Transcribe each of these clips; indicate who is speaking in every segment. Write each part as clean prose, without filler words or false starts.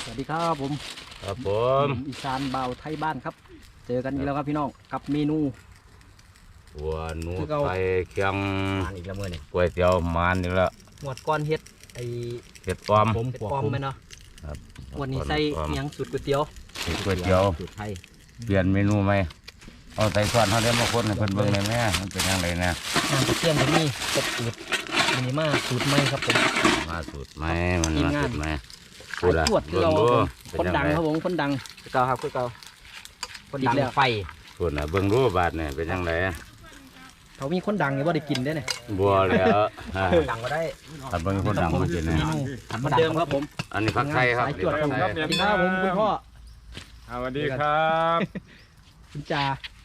Speaker 1: สวัสดีครับผม
Speaker 2: ครับผม
Speaker 1: อีสานบ่าวไทยบ้านครับเจอกันอีกแล้วครับพี่น้องกับเมนู
Speaker 2: หัวหนูไทยเคียง
Speaker 1: มานอีกแล้วเมื่อนี่
Speaker 2: ก๋วยเตี๋ยวมันอีกแล้ว
Speaker 1: หมวดก้อนเฮ็ดไอ
Speaker 2: เห็ดปลอม
Speaker 1: เฮ็ดปลอมไหมเนาะ
Speaker 2: ครับ
Speaker 1: วันนี้ใส่เมียงสูตรก๋วยเตี๋ยว
Speaker 2: ก๋วยเตี๋ยว
Speaker 1: สูตรไทย
Speaker 2: เปลี่ยนเมนูไหมเอาใส่ส่วนเขาได้มาคนให้เพิ่นเบิ่งเลยแม่มันเป็นยังไงนะ
Speaker 1: น้ำกระเทียมจะมีกบอืดมีมาสูตรใหม่ครับผม
Speaker 2: มาสูตรไหมมันมาสูตรไหม
Speaker 1: สายตรวจคือเราคนดังครับผมคนดังคือเก่าครับคือเก่าคนดังไฟ
Speaker 2: ส่วนน่ะเบิ่งรู้บาทเนี่ยเป็นยังไง
Speaker 1: เขามีคนดังอยู่ว่าได้กินได้เนี่ย
Speaker 2: บัวแล้ว
Speaker 1: ดังก็ได้
Speaker 2: ถ้าเบิ่งคนดังมันจะเนี่ย
Speaker 1: เหมือนเดิมครับผม
Speaker 2: อันนี้ผักไทยครับ
Speaker 1: สายตรวจครับสวัสดีครับผมคุณพ่อ
Speaker 3: สวัสดีครับ
Speaker 1: คุณจ่า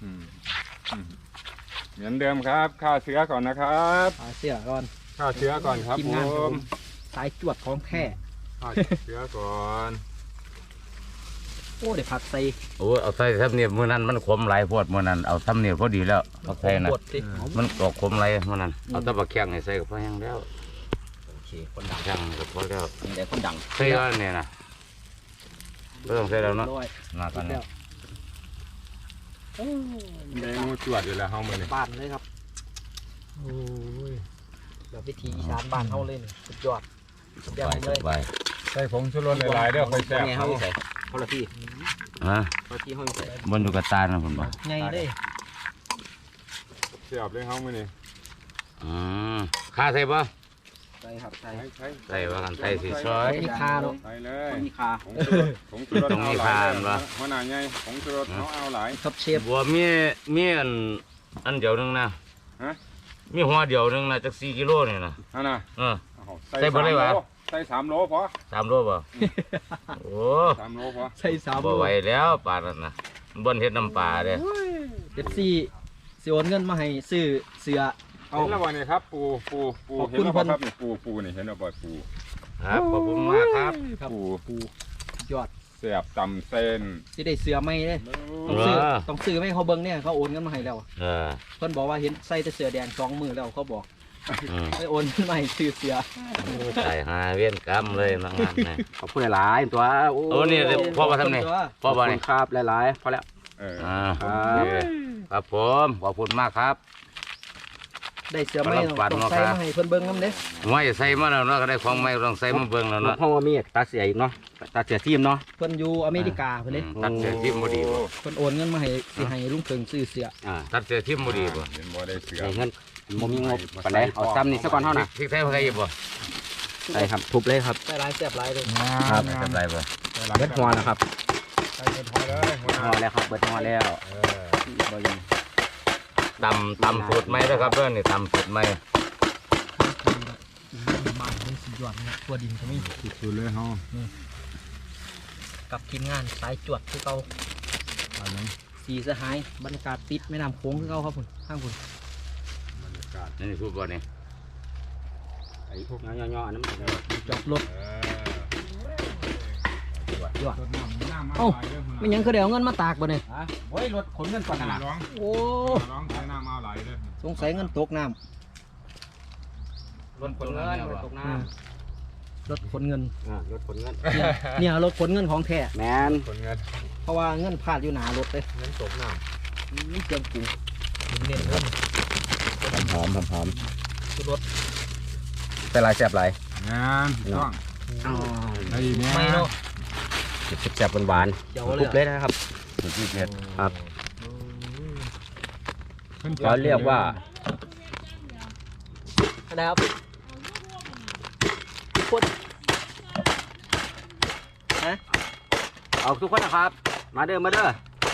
Speaker 3: เหมือนเดิมครับข้าวเสือก่อนนะครับ
Speaker 1: ข้าวเสือก่อน
Speaker 3: ข้าวเสือก่อนครับผม
Speaker 1: สายจวดของแท้
Speaker 3: ข้าวเสือก่อน
Speaker 1: โอ้เดี๋ยวผัดใส่
Speaker 2: โอ้เอาใส่ทับเนี่ยมื้อนั้นมันขมหลายพวดมื้อนั้นเอาทับเนี่ยพอดีแล้วผักไทยนะมันออกขมหลายมื้อนั้นเอาตะบักแข้งให้ใส่ก็พอยังแล้ว
Speaker 1: โอเคคนดัง
Speaker 2: แข้งก็พอแล้ว
Speaker 1: นี่แต่คนดัง
Speaker 2: ใส่แล้วเนี่ยนะไม่ต้องใส่แล้วเนาะมากันแล้ว
Speaker 3: เมนูจวดอยู่แล้วเฮามื้อนี้
Speaker 1: บ้านเลยครับโอ้ยแบบวิธีอีสานบ้านเฮาเลยสุดยอดสุดยอดเลย
Speaker 3: ใส่ผงชูรสหลายๆเด้อค่อยแซ่บ
Speaker 1: เฮาใส่เขาละพี่
Speaker 2: ฮะ
Speaker 1: เขาที่เฮาใส่
Speaker 2: บนอยู่กับตานะผมบอก
Speaker 1: ไงเลย
Speaker 3: เสียบเลยเฮามื้อนี้
Speaker 2: ข้าใส่ปะ
Speaker 1: ใส่ครับ
Speaker 2: ใส่ว่ากันใส่สีซอย
Speaker 1: มีคาเนาะ
Speaker 3: ใส่เลย
Speaker 1: มีคา
Speaker 3: ผงชูรส
Speaker 2: ต้องมีคาบ่
Speaker 3: หัวหน้าใหญ่ผงชูรสเอาหลาย
Speaker 1: ครับเชฟ
Speaker 2: บัวมีอันเดียวนึงนะมีหัวเดียวนึงนะจาก4 กิโลนี่นะ
Speaker 3: น่ะ
Speaker 2: ใส่บ่ได้วะ
Speaker 3: ใส่3 โลพอ
Speaker 2: 3 โลป่ะโอ้
Speaker 3: 3 โลพอ
Speaker 1: ใส่3 โล
Speaker 2: บ่ไหวแล้วปลานั่นนะบนเฮ็ดน้ำปลาเด้
Speaker 1: เด็ดซี่สิโอนเงินมาให้ซื้อเสือ
Speaker 3: เห็นแล้วบ่นี่ครับปูเห็นแล้วบ่ครับนี่ปูนี่เห็นแล้วบ่ปู
Speaker 2: ครับขอบคุณมากครับ
Speaker 3: ปู
Speaker 1: ยอด
Speaker 3: เสียบตำเส้น
Speaker 1: สิได้เสือไม่เลยต้องซื้อไม่เขาเบิ้งเนี่ยเขาโอนเงินมาให้แล้วเพิ่นบอกว่าเห็นใส่แต่เสือแดง2 มือแล้วเขาบอกไปโอนเงินมาให้ซื้อเสือ
Speaker 2: ใส่หาเวียนกรรมเลยบางงานนะ
Speaker 1: ขอบคุณหลายตัว
Speaker 2: โอ้นี่พ่อมาทำไงพ่อมาเนี่ย
Speaker 1: ครับหลายพอแล้ว
Speaker 2: ครับผมขอบคุณมากครับ
Speaker 1: ได้เสือไม่ต้องใส่มาให้เพิ่นเบิ้งน้ำเด้
Speaker 2: ไม่ใส่มาแล้วเนาะก็ได้ของไม่ต้องใส่มาเบิ้งแล้วเนาะ
Speaker 1: เพราะว่ามีตาเสียอีกเนาะตาเสียทีมเนาะเพิ่นอยู่อเมริกาเพิ่นเลย
Speaker 2: ตัดเสียทีมบ่ดีบ่
Speaker 1: เพิ่นโอนเงินมาให้สิให้ลุงเพิ่งซื้อเสือ
Speaker 2: ตัดเสียทีมบ่ดีบ่
Speaker 3: เห็นบ่ได้เสือ
Speaker 1: เงินบ่มีงบปานใดเอาซ้ำนี่ซะก่อนเฮาน่ะ
Speaker 2: พริกไทยใส่บ่
Speaker 1: ใส่ครับทุบเลยครับใส่หลายแซ่บหลายเลย
Speaker 2: ครับใส่หลายบ่
Speaker 1: เบิดหัวนะครับ
Speaker 3: ใส่เบิดหัวเลย
Speaker 1: หัวแล้วครับเบิดหัวแล้วบ่ยัง
Speaker 2: ตำสูตรใหม่แล้วครับเด้อนี่ตำสูตรใหม่
Speaker 1: บ้านนี่สุดยอดนะตัวดินก็มี
Speaker 3: สุดเลยเฮา
Speaker 1: กับทีมงานสายจวดคือเก่าสีสหายบรรยากาศติดแม่น้ำโขงคือเก่าครับคุณข้างคุณ
Speaker 3: บรรยากาศ
Speaker 2: นี่พูดบ่เนี่ย
Speaker 1: ไอ้พวกย่อๆนั้นจอดรถยอดเอ้าไม่ยังคือเดี๋ยวเงินมาตากบ่เนี่ย
Speaker 3: โอ้ยรถขนเงินก่อนนะ
Speaker 1: โอ้
Speaker 3: ร้องใช้น้ำเอาไหลเลย
Speaker 1: สงสัยเงินตกน้ำ
Speaker 2: รถขนเงิน
Speaker 1: ตกน้ำรถขนเงิน
Speaker 3: รถขนเงิน
Speaker 1: เนี่ยรถขนเงินของแท้
Speaker 3: แมนขนเงิน
Speaker 1: เพราะว่าเงินพลาดอยู่หนารถเลย
Speaker 3: เงินตกน้
Speaker 1: ำนี่เจียมกุ้งเน้นเงิน
Speaker 3: หอม
Speaker 1: คือรถ
Speaker 3: เป็นลายแสบลายงานต้องไอ้เนี่ย
Speaker 1: ไม่เนาะ
Speaker 3: แสบหวาน
Speaker 1: ทุบเลยนะครับ
Speaker 3: ทุบเผ็ด
Speaker 1: ครับเขาเรียกว่าอะไรครับทุกคนนะเอาทุกคนนะครับมาเด้อเ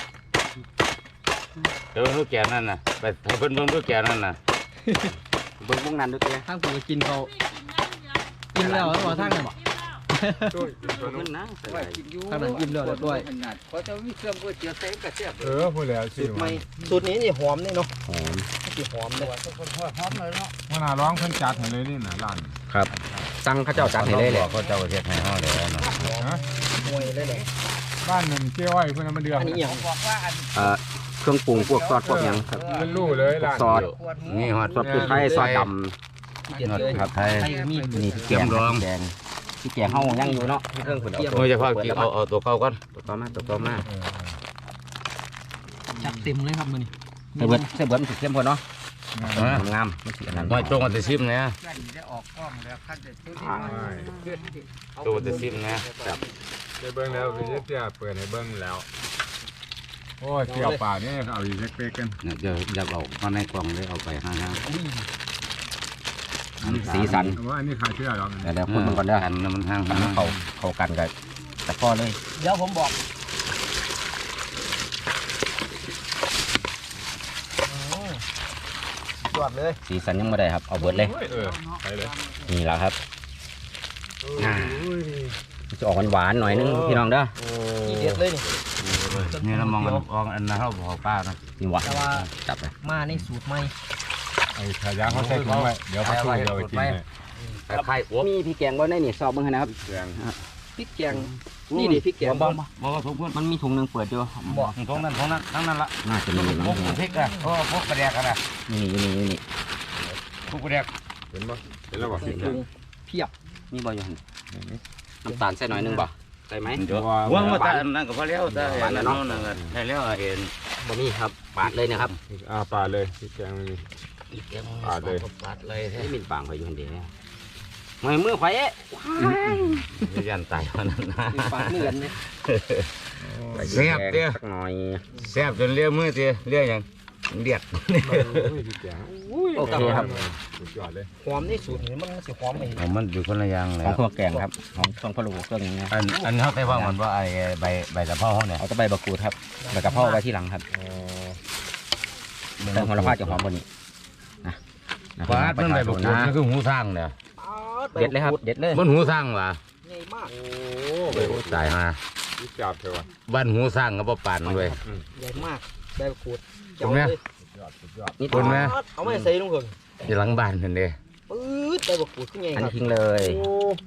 Speaker 2: ดี๋ยวลูกแก่นั่นน่ะไปให้เพิ่นเบิ่งลูกแก่นั่นน่ะ
Speaker 1: เบิ่งพวกนั้นดูเต้ทางผมก็กินเขากินแล้วแล้วบอกทางไหนบอก
Speaker 3: ขึ้นนะ
Speaker 1: ทางนั้นกินแล้วด้วย
Speaker 3: เขาจะมีเครื่องก๋วยเตี๋ยวใส่กระเทียมพูดแล้ว
Speaker 1: สูตรนี้นี่หอมนี่เนาะ
Speaker 3: หอม
Speaker 1: หอมเลย
Speaker 3: หอมเลยเนาะเวลาร้องเพิ่นจัดให้เลยนี่น่ะร้าน
Speaker 1: ครับสั่งข้าเจ้าจัดให้เลยเลย
Speaker 2: เขาเจ้าเฮ็ดให้เฮาเด้อเนาะ
Speaker 1: มวยเลยเลย
Speaker 3: บ้านหนึ่งเจ้าอ้อยเพิ่นมาเดือด
Speaker 1: อันนี้อย่างเครื่องปรุงพวกซอสพวกยังครับ
Speaker 3: มันรู้เลยร้าน
Speaker 1: ซอส
Speaker 2: นี่ฮอด
Speaker 1: ซอสพริกไทยซอสดำ
Speaker 2: ซอสไทย
Speaker 1: มีนี่เกี๊ยวดองแดง
Speaker 3: ที่แกงเฮายังอยู่เนาะเครื่องขุด
Speaker 2: โอ้ยจะพากินเอาตัวเก่าก่อน
Speaker 3: ตัวต่อมา
Speaker 1: จัดเต็มเลยครับมื้อนี้
Speaker 3: เบิดมันสิเข้มพอเนาะงามมันสิอันนั้น
Speaker 2: ไม่ตรงกับแต่ซิมนะ
Speaker 4: จะออกกล้องแล้วขั้นจะชุด
Speaker 2: ตรงกับแต่ซิมนะ
Speaker 5: ได้เบิ้งแล้วพี่เตี้ยเปิดให้เบิ้งแล้ว โอ้ยเกี่ยวป่านี่เอาอีกเล็กๆกัน
Speaker 2: เดี๋ยวจะเอามาในกล่องเลยเอาไปห้าง
Speaker 3: สีสัน
Speaker 5: ว่าอันนี้ขายเชื่อหรอก
Speaker 3: เดี๋ยวคนมันก่อนเด้อ
Speaker 2: กันมันห้าง
Speaker 3: เข้ากันกันแต่พ่อเลย
Speaker 1: เดี๋ยวผมบอกจวดเลย
Speaker 3: สีสันยังไม่ได้ครับเอาเบิดเลย
Speaker 5: ไปเลย
Speaker 3: นี่แหละครับจะออกหวานๆหน่อยนึงพี่น้องเด้อ
Speaker 1: ทีเด็ดเลยนี่
Speaker 2: นี่เรามองอันนั้นเราบอกป้านะ
Speaker 3: นี่หวานจับไป
Speaker 1: มาในสูตรใหม่
Speaker 5: ไอ้ขายาเขาใส่ถุงไว้เดี๋ยวเขาสู้เดี๋ยวไปกินเลย
Speaker 2: ไข่อ้วก
Speaker 3: มีพี่แกงไว้ในนี่สอบมึงนะครับ
Speaker 5: แกง
Speaker 1: พริกแกงนี่ดิพริกแกง
Speaker 2: บอกว่าทุกคน
Speaker 3: มันมีถุงนึงเปิดอยู่
Speaker 2: บอกท้องนั้นทั้งนั้นละ
Speaker 3: น่าจะมีอยู่
Speaker 2: พวกพริกอะพวกกระเดียกันอะ
Speaker 3: นี่
Speaker 2: พวกกระเดียก
Speaker 5: เห็นปะเห็นแล้วบอก
Speaker 1: ใส่ถุงเพียบ
Speaker 3: มีบ่อยู่หั่นน้ำตาลใส่หน่อยนึงบ่ใส่ไหม
Speaker 2: ว่าแต่นั่นก็พอแล้วแต่อันนั้นนั่นก็ใช่แล้วเห็น
Speaker 3: บ่มีครับปาดเลยนะครับ
Speaker 5: ป่าเลยพี่แกงไม่มี
Speaker 2: ปาดเลย
Speaker 3: ไม่มีปางไฟอยู่คนเดียวมือไฟเอ๊ะ
Speaker 2: ยันตายเพราะนั้นนะ
Speaker 1: มีปากเนื้อเนี่ย
Speaker 2: แซ่บเตี้ย
Speaker 3: สักหน่อย
Speaker 2: แซ่บจนเลี้ยมือเตี้ยเลี้ยอย่างเดียด
Speaker 5: พี่แกง
Speaker 3: โอเคครับ
Speaker 5: สุดยอดเลย
Speaker 1: หอมนี่สูตรนี่มันสิหอมเอง
Speaker 2: มันอยู่คนละอย่างเล
Speaker 3: ข
Speaker 2: ย
Speaker 3: องเครื่องแกงครับของเครื่องพะโล้เครื่องนี้
Speaker 2: อันเขาใส่ว่ามันว่าไอ้ใบตะเภาเขาเนี่ย
Speaker 3: เอาตะใบบักกูดครับใบกระเพราไว้ที่หลังครับแต่หัวละพาจะหอมกว่านี้นะ
Speaker 2: ปาดมันใบบักกูดมันคือหูสร้างเนี่ย
Speaker 3: เด็ดเลยครับเด็ดเลย
Speaker 2: มันหูสร้างว่ะ
Speaker 1: ใหญ่มาก
Speaker 2: ตายฮะ
Speaker 5: พี่จับเถอะวะ
Speaker 2: บ้านหูสร้างก็บ่ปานเลย
Speaker 1: ใหญ่มากใบมะกรูด
Speaker 2: ตรงเนี้ย
Speaker 3: นี่
Speaker 2: คุณไหม
Speaker 1: เอาไม่ใส่ลงเพิ่ง
Speaker 2: อยู่หลังบ้านเห็นเด้
Speaker 1: ปื๊ดใบมะกรูดขึ้นใหญ่
Speaker 3: อัน
Speaker 1: ค
Speaker 3: นี้
Speaker 1: รับ
Speaker 3: ทิ้งเลย
Speaker 1: โอ้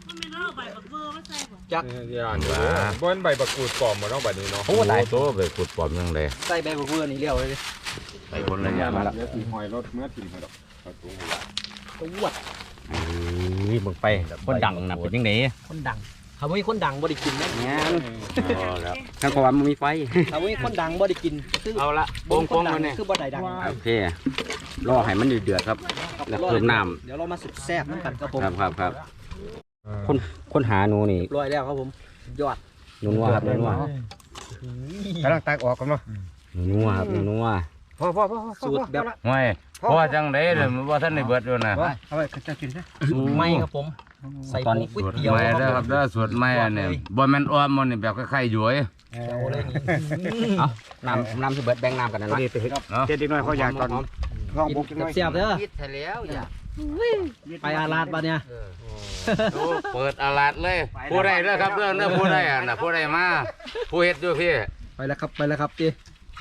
Speaker 5: ย่านบนใบบักกูดปลอมมาต้องแบบนี้เนาะ
Speaker 2: โอ้ตายโตไปขุดปอมยังไง
Speaker 1: ใส่ใบมะกรูดนี่เลี้ยวเลย
Speaker 2: ไปคนละอย่าง
Speaker 3: มาแล้ว
Speaker 5: เดี๋ยวตีหอยรถเมื่อตีหอยดอกเอาถุงหัว
Speaker 1: ตัวด
Speaker 3: มึงไปคนดังนะเป็นยังไง
Speaker 1: คนดังถ้าไม่มีคนดังบ่ได้กินนะ
Speaker 3: เนี่ย
Speaker 2: แล้ว
Speaker 3: ถ้าเพราะว่ามันมีไฟ
Speaker 1: ถ้าไม่มีคนดังบ่ได้กินคือ
Speaker 2: เอาละ
Speaker 1: บ่มีคนดัง
Speaker 2: เนี่ย
Speaker 1: คือบ่ได้ดัง
Speaker 3: โอเครอให้มันเดือดครับ แล้วเพิ่มน้ำ
Speaker 1: เดี๋ยวเรามาแซ่บน้ำกันครับผม
Speaker 3: ครับคนหาหนูนี่
Speaker 1: รวยแล้วครับผมยอด
Speaker 3: นัวครับนัว
Speaker 4: กำลังตักออกกันเนาะ
Speaker 3: นัวครับนัว
Speaker 4: พอ
Speaker 1: สูตรแบบ
Speaker 2: ไม่เพราะว่าจังไดเลยว่าท่านในเบิดอยู่นะ
Speaker 4: เอาไปจะกินซะ
Speaker 1: ไม่ครับผมใส่ผงก๋วยเตี๋ยว
Speaker 2: ไม่
Speaker 1: ค
Speaker 2: ได้
Speaker 1: รับ
Speaker 2: ครับได้สวดไม่เนี่ยบ่แม่นอ้อมมันนี่แบบคล้ายๆหยวย
Speaker 1: เอาเลยนี่
Speaker 3: เอาน้ำสิเบิดแบ่งน้ำกันนะเนาะ
Speaker 2: เนาะ
Speaker 4: เจ็ดอีกหน่อยเขาอยากตอนลองบุกอีกหน่อย
Speaker 1: เสียบๆเด้อ
Speaker 3: คิดแล้วอย่า
Speaker 1: ไปอาลาดปะเนี่ย
Speaker 2: เปิดอาลาดเลยผู้ใดเด้อครับเด้อผู้ใดอ่ะน่ะผู้ใดมาผู้เฮ็ดอยู่พี่
Speaker 1: ไปแล้วครับจี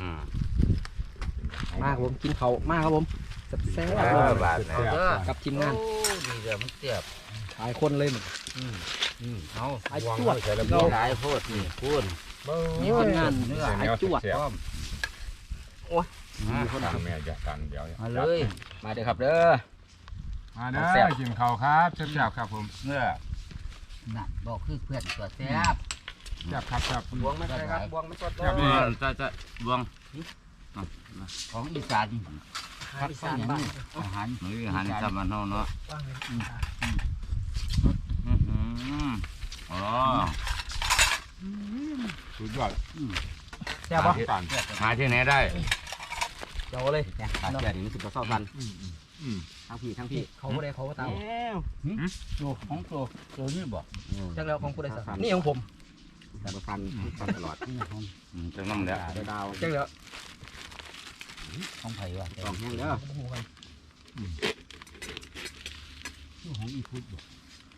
Speaker 1: มาครับผมกินเขาวมาครับผมแซ่บๆ
Speaker 2: บาทเนี่ย
Speaker 1: กับทีมงาน
Speaker 2: ดีเด้อมันเสียบ
Speaker 1: หลายคนเลยมึง
Speaker 2: เอา
Speaker 1: ไอ้จวด
Speaker 2: เราหลายโพดนี่พูด
Speaker 1: มีคนงานไอ้จวด
Speaker 5: คนดังแม่จะกันเดี๋ยว
Speaker 2: มาเลย
Speaker 3: มาเด้อครับเด้อ
Speaker 5: มาเด้อกินข้าวครับแซ่บๆครับผม
Speaker 2: เนื้อ
Speaker 4: น่ะบอกคือเพื่อนตัวแซ่บ
Speaker 5: แซ่บครับแซ่บ
Speaker 1: บวงไม่ใช่ครับบวงไม่สด
Speaker 5: แซ่บนี่
Speaker 2: จะบวง
Speaker 4: ของอีสาน
Speaker 1: อีสานบ้าน
Speaker 4: อาหาร
Speaker 2: มื้ออาหารจำมันเฮาเนาะอ๋อ
Speaker 5: สุดยอด
Speaker 1: แซ่บปะ
Speaker 5: กัน
Speaker 2: หาที่ไหนได้
Speaker 1: เดี๋ยวเลย
Speaker 3: ขาดแค่นี้มันสิบกว่าเศร้าทันทั้งพี่
Speaker 1: เขาผู้ใดเขาก็ตาม
Speaker 4: ตัวของตัวนี่บอก
Speaker 1: จังแล้วของผู้ใดสักนี่ของผม
Speaker 3: แต่ประพันตลอด
Speaker 2: จังน้ำแล้ว
Speaker 3: ดาว
Speaker 1: จังแล้ว
Speaker 4: ของไผ่ว่ะ
Speaker 3: สองแห้งเด้อ
Speaker 4: ของอีพุทธบอก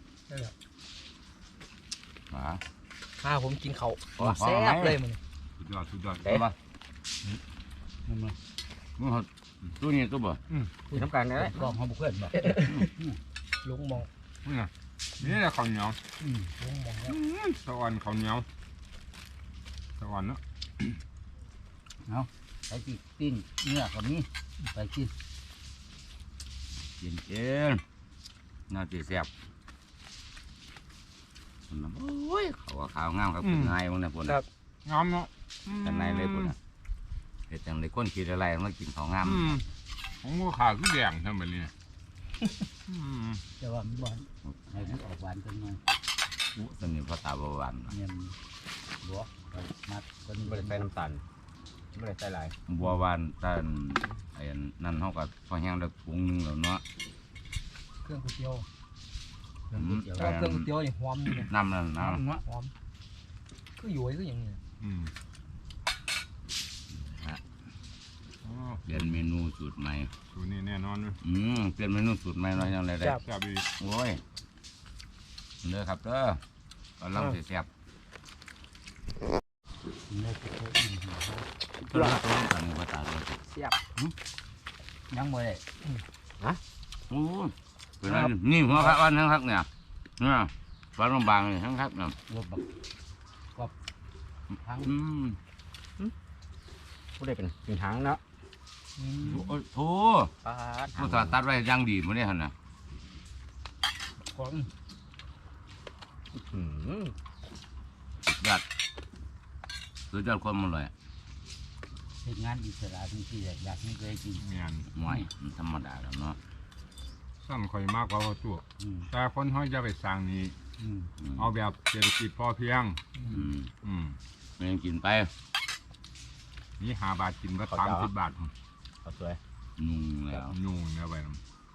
Speaker 1: ถ้าผมกินเขาแซ่บเลยมึง
Speaker 5: สุดยอดสุดยอด
Speaker 3: เด้
Speaker 2: มึงตัวนี้ตัวบ่
Speaker 3: คุยน้ำกันได้
Speaker 4: กองของเพื่อนบอก
Speaker 1: ลุงมอง
Speaker 5: นี่แหละข้าวเหนียว
Speaker 1: ลุงมองแล้ว
Speaker 5: สะออนข้าวเหนียวสะออนเนาะ
Speaker 4: ไปกินปิ้งเนื้อกับนี้ไปกิน
Speaker 2: กินน่าจะแซ่บโอ้ยเขาว่าขาวงามครับนายวันนี้ปุ่น
Speaker 5: งามเนาะ
Speaker 2: กันนายเลยปุ่นเห็ดจังเลยก้นขีดอะไรมากินของงาม
Speaker 5: ของงูขาวคือแดงทำแบบนี้
Speaker 4: แต่ว่ามันหวานให้มันออกหวานจังหน่อย
Speaker 2: สนิทพ่อตาบหวาน
Speaker 4: เนี่ยมันบัวมัดคนนี้
Speaker 3: ไม่ได้ใส่น้ำตาลไม่ได้ใส่หลาย
Speaker 2: บัวหวานตาไอ้นั่นเขาก็พอแห้งได้ปรุงนึงแล้วเนาะ
Speaker 1: เครื่องก๋วยเตี๋ยว
Speaker 4: เครื่องก๋วยเตี๋ยว
Speaker 1: แล้วเครื่องก๋วยเตี๋ยวนี่หอมนี่นะ
Speaker 2: น้ำนั่นน้
Speaker 1: หอมก็อยู่ก็อย่างนี้
Speaker 2: ำเปลี่ยนเมนูสูตรใหม่
Speaker 5: ตัวนี้แน่นอนเลย
Speaker 2: เปลี่ยนเมนูสูตรใหม่เราอย่างไรได้
Speaker 5: จับอีก
Speaker 2: โอ้ยเด้อครับเด้อตอนลำเสียบ
Speaker 4: เนื้อตัวอิ่มหัว
Speaker 2: ตัวลำตัวนี้ตอนนี้พ่อตาเลย
Speaker 1: เสียบ
Speaker 4: ยังไม่ได้
Speaker 2: โอ้ยเป็นไรนี่หัวพระวันทั้งทักเนี่ยเนี่ยฟันลำบางเลยทั้งทักเนี่ย
Speaker 4: รถบักก็ทั้ง
Speaker 3: ผู้ได้เป็นหางเนาะ
Speaker 2: โอ้โห
Speaker 3: ปาด
Speaker 2: ผู้ตาตัดไว้ยังดีมั้งเนี่ยฮะน่ะ
Speaker 4: ของ
Speaker 2: สุดยอดความอร่อย
Speaker 4: เป็นงานอิสระที่อยากให้เคยกิน
Speaker 5: งาน
Speaker 2: หน่อยมันธรรมดาแล้วเนาะ
Speaker 5: สั้นคอยมากกว่าเขาตัวแต่คนเขาจะไปสร้างนี้เอาแบบเศรษฐกิจพอเพียง
Speaker 2: ไม่ยังกินไป
Speaker 5: นี่5 บาทกินก็30 บาท
Speaker 3: เอาสวย
Speaker 2: นุ่งแล้ว
Speaker 5: นู่นเนี่ยไปน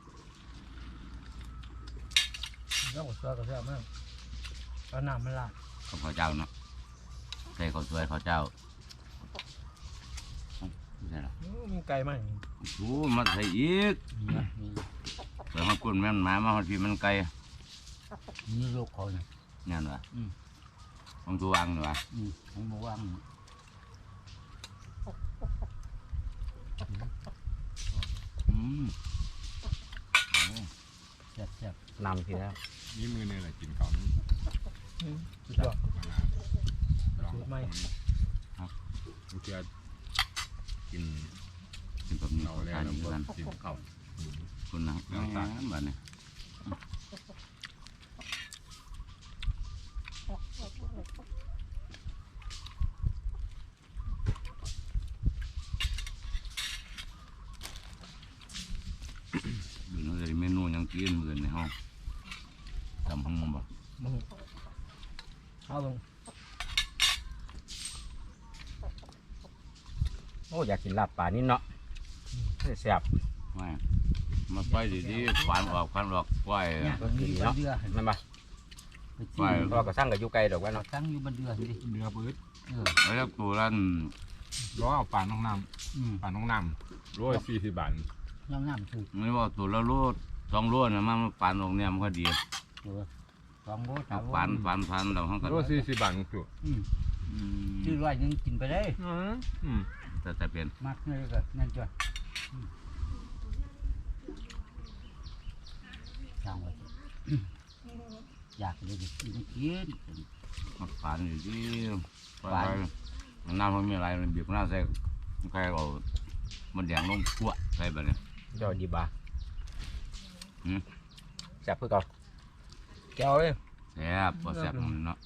Speaker 1: แล้วก็เสื้อก็เสื้อมากแล้วน้ำมันลาด
Speaker 2: ข้าวเจ้าเนาะใส่ข้าวสวยข้าวเจ้าไม่ใช่หรอ
Speaker 1: มีไก่ไหม
Speaker 2: โอ้มาใส่อีกแต่มากุนแม่นหมามาทีมันไกล
Speaker 4: นี่ลูกเขาเนี่ย
Speaker 2: นั่นวะของตัววางนี่วะ
Speaker 4: ผมบอกว่า แซ่บ
Speaker 3: นำทีแล้ว
Speaker 5: ำนี่มือเนี่ยแหละกินเขานี่
Speaker 1: สุดยอด สูตรใหม่
Speaker 5: บางทีกิน
Speaker 2: กินแบบนี้
Speaker 5: เราแล้ว
Speaker 2: ทาน
Speaker 5: แล้ว
Speaker 2: อยู่
Speaker 5: ก็
Speaker 2: กัน
Speaker 5: กินเขา
Speaker 2: คุณนะแบบนี้ดูนี่เมนูยังกินเหมือนในห้องทำห้องบ่
Speaker 1: เอาลง
Speaker 3: โอ้อยากกินลาบป่านี่เนาะแซ่บ
Speaker 2: ไม่มาไปดีๆฟันออกปล่อย
Speaker 4: เนี่ยมันมีบันเดือ
Speaker 3: นั่นปะ
Speaker 4: ไปจิ้ม
Speaker 3: ก็สร้างกับยูไกลดอกว่าเนาะ
Speaker 4: ตั้งอยู่บันเดือดิ
Speaker 5: เนื้อปื๊ด
Speaker 2: แล้วตัวนั้น
Speaker 5: ร้อยเอาป่าน้องน้ำป่าน้องน้ำ140 บาท
Speaker 4: น้ำน้ำถูก
Speaker 2: ไม่ว่าตัวละโล2 โลนะมันฟันออกเนี่ยมันก็ดี
Speaker 4: ตัวสองโบสามโบ
Speaker 2: ฟันเราห้องกัน
Speaker 5: 140 บาทตัว
Speaker 4: ชื่อร้อยนึงกินไปได้
Speaker 2: แต่เป็น
Speaker 4: มากเลยก็นั่นจ้ะช่างไว้อยากเลยดิกิน
Speaker 2: ฟันอยู่ที่ฟันน้ำมันมีอะไรมันบีบน้ำใส่ใครเอามันแดงลงขั้วใส่แบบนี้
Speaker 3: ยอดดีบาแซ่บเพื่อเก่า
Speaker 1: แก้วเลย
Speaker 2: แซ่บพอแซ่บมันเนาะ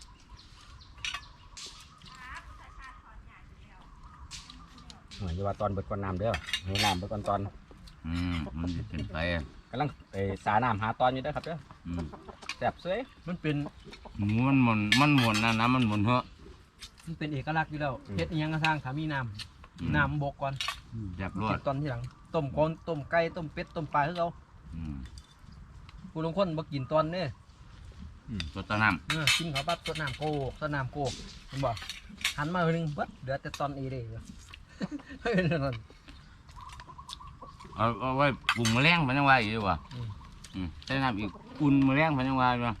Speaker 3: เหมือนว่าตอนเบิดก่อนน้ำเด้อให้น้ำเบิดก่อนตอน
Speaker 2: มันจะเป็นไป
Speaker 3: กำลังสาน้ำหาตอนอยู่เด้อครับเด้อแซ่บสวย
Speaker 1: มันเป็น
Speaker 2: มันหมุนนะน้ำมันหมุนเหอะ
Speaker 1: มันเป็นเอกลักษณ์อยู่แล้วเฮ็ดอิหยังกระสร้างถ้ามีน้ำบกก่อน
Speaker 2: แซ่บรว
Speaker 1: กิ
Speaker 2: ด
Speaker 1: นตอนที่หลังต้มก้อนต้มไก่ต้มเป็ดต้มปลาคือเขาผู้ลงคนบ่กินตอนเนี่ย
Speaker 2: ตัวตะน้
Speaker 1: กินเขาปั๊บสดน้ำโกกสดน้ำโกกเห็นบ่หันมาหนึ่งเบิดเหลือแต่ตอนเอเด้เฮ้ยนั่น
Speaker 2: ำเอาไว้ปรุงแมลงพันยังไงอยู่ดีกว่าใส่น้ำอีกอุ่นแมลงพันยังไงอยู่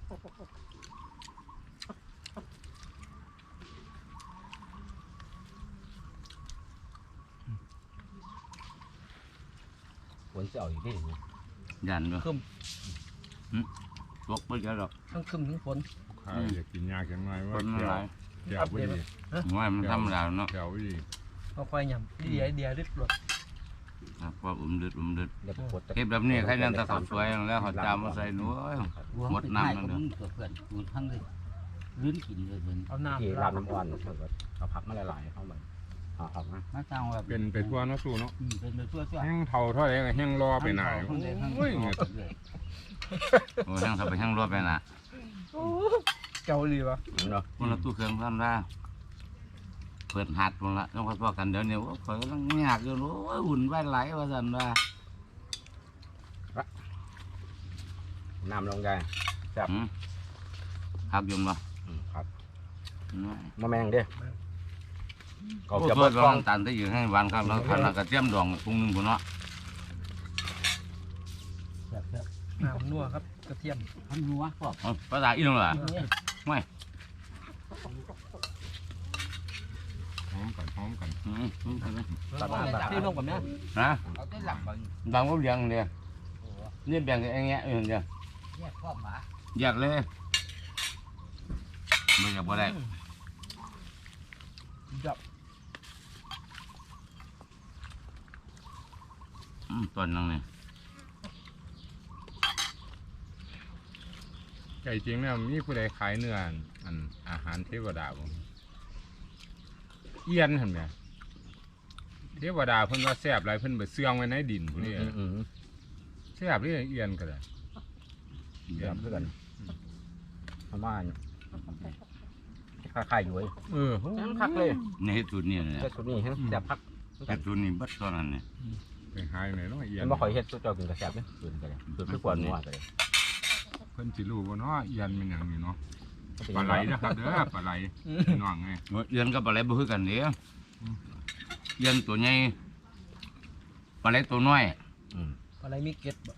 Speaker 3: ฝนจะเอาอยู่ที่นี่
Speaker 2: ยันด้วย
Speaker 1: คึม
Speaker 2: ตกไปเยอะหรอก
Speaker 1: ทั้งคึมทั้งฝน
Speaker 5: ใครอยากกินยาแข็งไง
Speaker 2: ค
Speaker 5: ว่าน
Speaker 2: มันหลาย
Speaker 5: แถวไม่ดี
Speaker 2: ไม่มันธรรมดาเนาะ
Speaker 5: แถวไม่ดี
Speaker 1: เอาควายหยำเดียริบหลด
Speaker 2: ครับว่าดึด
Speaker 3: เดี๋ยวปวด
Speaker 2: เก็บแบบนี้ใครนั่นตะเขาสวยแล้วเขาจามมาใส่หนูหมดน้ำนั่นเด้อ
Speaker 4: เพื่อนกูทั้งเลยลื้นกินเลยเห็น
Speaker 1: เอาน้ำ
Speaker 3: ที่ร้านน้ำอ่อนเอาผักมาหลายๆเข้ามาเอาผักมา
Speaker 4: มาจ้างว่า
Speaker 5: เป็นไปทั่วเนาะสู้เนาะ
Speaker 4: เป็นไปทั่ว
Speaker 5: แห้งเท่าเท่าไหร่ก็แห้งรอไปหน่อยโอ้ย
Speaker 2: โอ้ยทั้งสับไปทั้งรถไปน่ะ
Speaker 1: เกาหลีวะ
Speaker 3: เนาะ
Speaker 2: คนละตู้เครื่องทำได้เปิดหัดคนละต้องพอกันเดี๋ยวนี้ว่าคอยกำลังยากอยู่รู้ว่าหุ่นไหวไหลว่าสันว่า
Speaker 3: น้ำลงได้จับ
Speaker 2: หักยมบ่
Speaker 3: ครับ
Speaker 2: น้อย
Speaker 3: มะแมงเด้
Speaker 2: ก็
Speaker 3: ก็
Speaker 2: จะ
Speaker 3: จะ
Speaker 2: เปิ
Speaker 3: เปิ
Speaker 2: ด
Speaker 3: ด
Speaker 2: ก
Speaker 3: ก
Speaker 2: ล้
Speaker 3: ล้
Speaker 2: อ
Speaker 3: อง ง
Speaker 2: ตันที่อยู่ให้หวานครับแล้วคันกระเทียมดองปรุงหนึ่งคนเนาะ
Speaker 1: น้ำนัวครับกระเทียม
Speaker 4: ทำหัวพวก
Speaker 2: ภาษาอีกหน่อย
Speaker 5: หอมกัน
Speaker 1: ที่ลงกับเนี้ย
Speaker 2: นะ
Speaker 4: เอาได้หลังบาง
Speaker 2: บางก็เลี้ยงเนี่ยนี่แบ่งกันอย่างเงี้ยเดี๋ยว
Speaker 4: แยกข้อหมา
Speaker 2: อยากเลยไม่อยากบ่ได้
Speaker 1: จับ
Speaker 2: ตอนนั้นเนี่ย
Speaker 5: ไก่จริงเนี่ยมีผู้ใดขายเนื้ออันอาหารเทวดาบ่เอียนเห็นไหมเทวดาเพิ่นว่าแซ่บหลายเพิ่นไปเสื่องไว้ในดินพุ่นนี่แซ่บนี่เอียนก็ได้
Speaker 3: เดี๋ยวเพื่อนประมาณค่ายๆอยู่เว้ย คักเลย
Speaker 2: ในเฮ็ดสูตรนี่เนี่ย
Speaker 3: แต่สุดนี้แซ่บพัก
Speaker 2: เฮ็ดสูตรนี่บัดตอนนั้นเนี่ย
Speaker 5: ไปหายไหนเนาะเอียน
Speaker 3: มันบ่ค่อยเฮ็ดสุดเจ้ากินกระแซ่บเนี่ยสุดกันเลยสุดคือกว่านัวกันเลย
Speaker 5: เพิ่นสิรู้บ่เนาะเอียนเป็นหยังนี่เนาะปลาไหลนะครับเด้อปลาไหลพี่น้องไง
Speaker 2: เรียนกับปลาไหลบ่คือกันเด้เรียนตัวใหญ่ปลาไหลตัวน้อย
Speaker 1: อะไรมีเก็ดบ่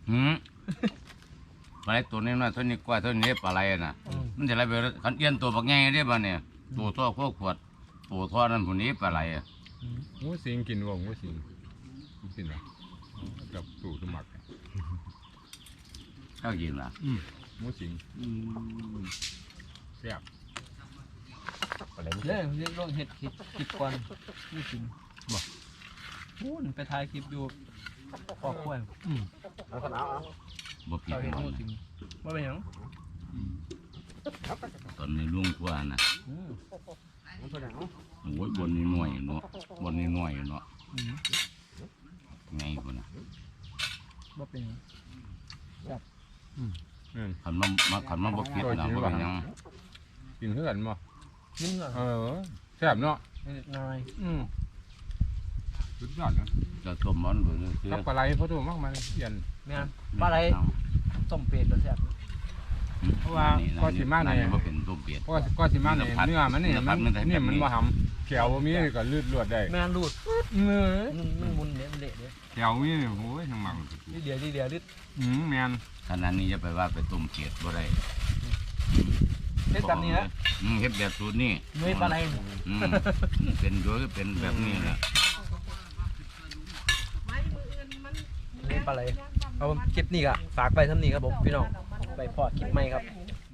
Speaker 2: ปลาไหลตัวน้อยๆเท่านี้กว่าเท่านี้ปลาไหลน่ะมันจะไหลไปคันเอียนตัวบักใหญ่เด้บ่เนี่ยตัวท่อพวกขวดตัวท่อนั้นผู้นี้ปลาไหล
Speaker 5: หมูสิงกินบ่หมูสิงกินเหรอกับตู่สมัคร
Speaker 2: ข้าวกินล่ะ
Speaker 5: หมูสิงแซ่บ
Speaker 3: อะไรไม่
Speaker 1: เล่นลงเห็ดคลิปก่อนนี่กินบอกพูนไปถ่ายคลิปอยู่ปอกกล้วย
Speaker 3: เอาขนาด
Speaker 2: บ่ผิด
Speaker 1: เราเห็น
Speaker 2: หรอก
Speaker 1: งูสิงว่าเป็นหยัง
Speaker 2: ตอนนี้ลุงกว่าน่ะ
Speaker 3: เอาเท่าไหร่เอา
Speaker 2: โอ้ยบนนี้หน่วยเนาะบนนี้หน่วยเนาะไงคนน่ะ
Speaker 1: ว่าเป็นหยัง
Speaker 2: ขันมาบ่ผิดนะบ่เป็นหยัง
Speaker 5: กินเพื่อนบ่
Speaker 1: นึ่งเหรอ
Speaker 5: แซ่บเนาะ
Speaker 1: นิดหน่อย
Speaker 5: สุดยอดนะ
Speaker 2: จะต้มมันเบิ่งคือ
Speaker 5: กับปลาไหลพอถูกมากมันเอียน
Speaker 1: แม่นปลาไหลต้มเป็ดก็แซ่บ
Speaker 5: เพราะว่าก็สิมาเนี่ย
Speaker 2: บ่เป็นต้มเป็ด
Speaker 5: ก็สิมาเนี่ยเนื้อมันนี่มันบ่หำแขวบ่มีก็ลืดลวดได้
Speaker 1: แม่นรูด
Speaker 5: เนื้อ
Speaker 1: มันมุนเนี่ยมันเละเนี่ย
Speaker 5: แขวมีโอ้ยทั้งหมัก
Speaker 1: นิดเดียวนิด
Speaker 5: แม่น
Speaker 2: ขนาดนี้จะไปว่าไปต้มเป็ดบ่ได้
Speaker 1: เฮ็ดแบบนี้นะ
Speaker 2: เฮ็ดแบบสูตรนี่
Speaker 1: เนื้อปลาไหล
Speaker 2: เป็นโดยเป็นแบบนี้แหละ
Speaker 1: เนื้อปลาไหลเอาคลิปนี้ก็ฝากไปทำนี้ครับผมพี่น้องไปพอคลิปใหม่ครับ